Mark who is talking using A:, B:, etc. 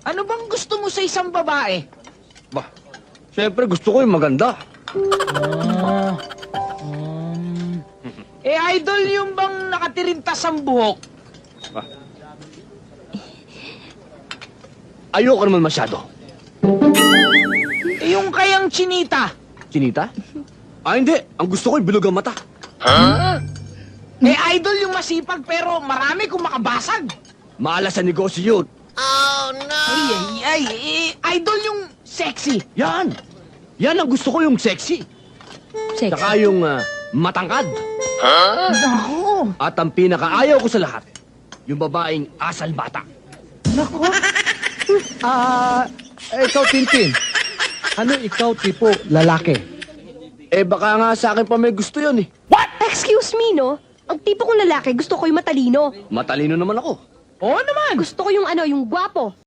A: Ano bang gusto mo sa isang babae?
B: Bah, siyempre gusto ko yung maganda.
A: Idol yung bang nakatirintas ang buhok?
B: Ayoko naman masyado.
A: Yung kayang chinita?
B: Chinita? Ah, hindi. Ang gusto ko yung bilog ang mata.
A: Idol yung masipag pero marami kung makabasag.
B: Maalas sa negosyo yun.
A: Idol yung sexy.
B: Yan! Yan ang gusto ko yung sexy.
C: Sex.
B: Saka yung matangkad.
A: Nako.
B: At ang pinakaayaw ko sa lahat, yung babaeng asal bata.
A: Nako.
D: Ikaw, Tintin. Ano ikaw tipo lalaki?
B: Eh baka nga sa akin pa may gusto yun eh.
C: Excuse me, no? Ang tipo kong lalaki, gusto ko yung matalino.
B: Matalino naman ako.
A: Oo naman.
C: Gusto ko yung yung gwapo.